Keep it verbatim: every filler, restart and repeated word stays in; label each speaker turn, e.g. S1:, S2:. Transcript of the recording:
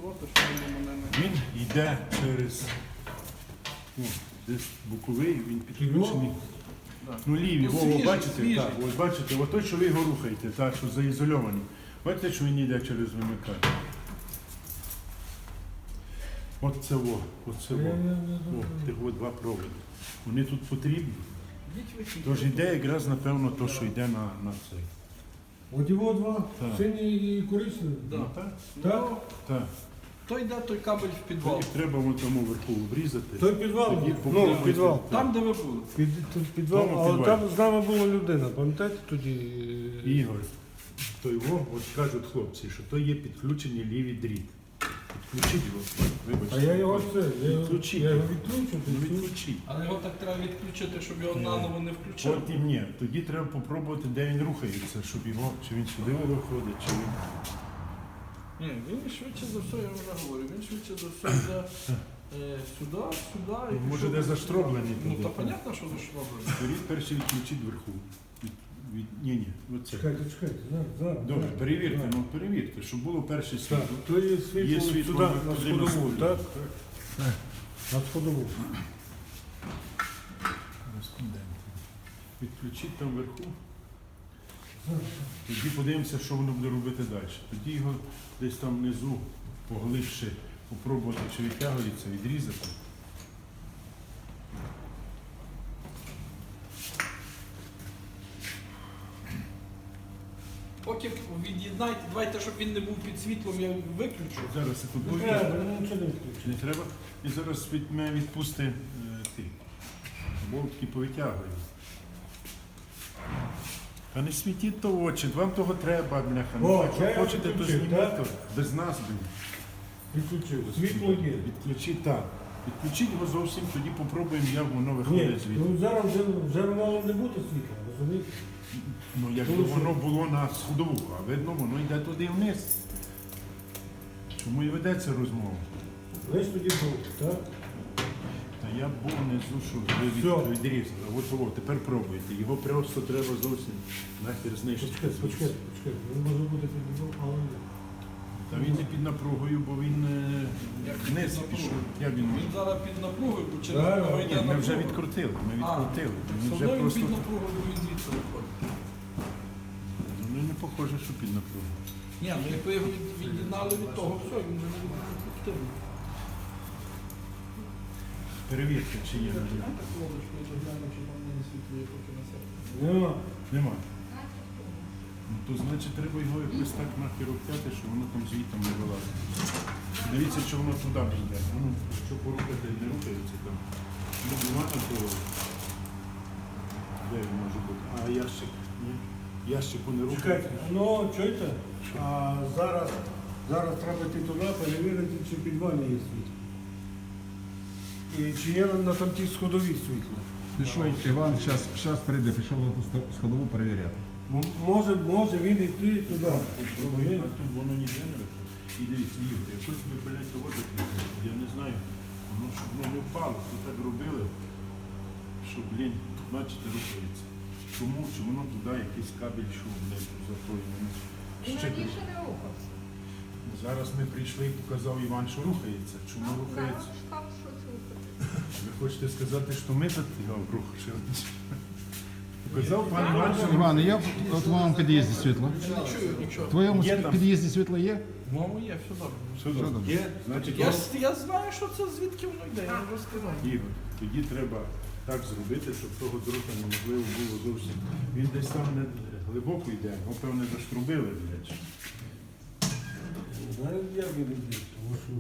S1: фіксувати, що воно мене не...
S2: Він йде через о, десь боковий, він підключений.
S1: Да.
S2: Ну лівий,
S1: Ну,
S2: о,
S1: свіжий,
S2: бачите,
S1: свіжий.
S2: так, ось бачите, от той, що ви його рухаєте, так, що заізольований. Бачите, що він йде через вимикач. От це во, от це во. О, тих от два проводи. Вони тут потрібні.
S1: Йдіть ви ті.
S2: Тож йде якраз, напевно, то, що йде на, на цей.
S3: От його два,
S2: Так.
S3: синій і коричневий.
S1: Да.
S2: Ну, так,
S3: Так?
S1: Ну,
S2: так.
S1: то йде той кабель в підвал.
S2: Їх треба вон тому вверху обрізати.
S3: Той підвал,
S2: Тоді
S3: ну,
S2: попробуйте.
S3: підвал.
S1: Там, де ви були.
S3: Під, тут підвал,
S2: Тому
S3: але
S2: підвал.
S3: там з нами була людина, пам'ятаєте тоді?
S2: Ігор, то його, от кажуть хлопці, що то є підключений лівий дріт. Підключіть його, вибачте.
S3: А я його це, я, його-
S2: Відключіть.
S3: я його відключу,
S2: Ну,
S3: відключу.
S2: відключіть.
S1: Але його так треба відключити, щоб його
S2: Ні.
S1: наново не включили.
S2: От і ні, тоді треба попробувати, де він рухається, щоб його, чи він сюди виходить, чи він.
S1: Ні, він швидше за все, я вже говорю, він швидше за все йде е, сюди, сюди. і
S2: Ну, може,
S1: пішов
S2: де
S1: сюди.
S2: заштроблений
S1: Ну,
S2: туди.
S1: то понятно, що заштроблений.
S2: Беріть перший відключіть вверху. Від, від, ні, ні, оце.
S3: Чекайте, чекайте, зараз, зараз.
S2: Добре,
S3: зараз.
S2: перевірте,
S3: Зараз.
S2: ну перевірте, щоб було перше
S3: Так,
S2: світло.
S3: то є світло,
S2: Є світло
S3: сюди,
S2: на
S3: на
S2: потрібну
S3: сходову,
S2: студію.
S3: так? На сходову.
S2: Кореспонденти. Відключіть там вверху. Тоді подивимося, що воно буде робити далі. Тоді його десь там внизу поглибше попробувати, чи відтягується, відрізати.
S1: Поки від'єднайте, давайте, щоб він не був під світлом, я виключу.
S2: Зараз секунду.
S3: Не треба, ну, нічого не відключу.
S2: Не треба. І зараз від мене відпусти е, ти. Болтки повитягую. Та не світіть то в очі, вам того треба, бляха. Ну,
S3: О,
S2: якщо
S3: я
S2: хочете, то
S3: відключив,
S2: зніміть,
S3: так?
S2: то без нас, блін.
S3: Відключив. Світло є.
S2: Відключіть, так. Відключіть його зовсім, тоді попробуємо, як воно
S3: Ні,
S2: виходить звідти.
S3: ну зараз вже, вже мало не буде світла, розумієте?
S2: Ну, якби
S3: Тому що-
S2: воно було на сходову, а видно, воно йде туди вниз. Чому і ведеться розмова?
S3: Ви ж тоді був, так?
S2: Та я був внизу, що ви
S3: Всьо.
S2: від- відрізали. От о, тепер пробуйте. Його просто треба зовсім нахер знищити.
S3: Почекайте, почекайте, почекайте. Він може бути під низом, але ні.
S2: Та він не під напругою, бо він е,
S1: Як
S2: вниз
S1: під напругою?
S2: пішов. Як він?
S1: Він зараз під напругою, бо через
S3: Да,
S1: нього
S3: да.
S1: йде
S2: Ні, ми вже
S1: напруга.
S2: відкрутили, ми відкрутили.
S1: А,
S2: Він
S1: все
S2: вже
S1: одно він
S2: просто...
S1: під напругою, бо він звідси виходить.
S2: Ну не похоже, що під напругою.
S1: Ні, ну як ви його від- від'єднали від того, все, він вже не буде ефективний.
S2: Перевірте, чи є на ньому.
S1: Так, Володиш, ми доглянемо, чи там не світлює, поки на себе.
S3: Нема.
S2: Нема. Ну, то значить треба його якось так нахер обтяти, що воно там звітом не вилазить. Дивіться, чи воно туди не йде. Ну, що порухати не рухається там. Ну, нема такого. Де він може бути? А ящик? Ні. Ящику не
S3: Чекайте,
S2: рухається.
S3: ну, чуєте? А зараз, зараз треба йти туди, перевірити, чи в підвалі є світло. І чи є на там тій сходовій світло.
S4: Пішов Іван, зараз прийде, пішов на ту сто- сходову перевіряти.
S3: М- Може, може він йти туди.
S2: А тут воно ніде не виходить. І дивіться, Ігор, якось ви, блядь, того закріпили. Я не знаю, воно щоб воно не впало, то так робили, що, блін, бачите, рухається. Чому? Чи воно туди якийсь кабель, що, блядь, за тою.
S5: Він раніше не рухався.
S2: Зараз ми прийшли і показав Іван, що рухається. Чому
S5: А
S2: рухається?
S5: зараз став щось рухати.
S2: Ви хочете сказати, що ми тут його рухали? Показав пан Іван, що
S4: Іван, є в твоєму під'їзді світло?
S1: Я не чую нічого.
S4: В твоєму
S2: Є там.
S4: під'їзді світло є?
S1: В моєму є, все добре.
S2: Все добре. Є, значить,
S1: Я, ж- я знаю, що це звідки воно йде, я вже сказав.
S2: Ігор, тоді треба так зробити, щоб того дрота неможливо було зовсім. Він десь там не глибоко йде, його, певне, заштрубили, блядь.
S3: Знаю, як він йде, тому що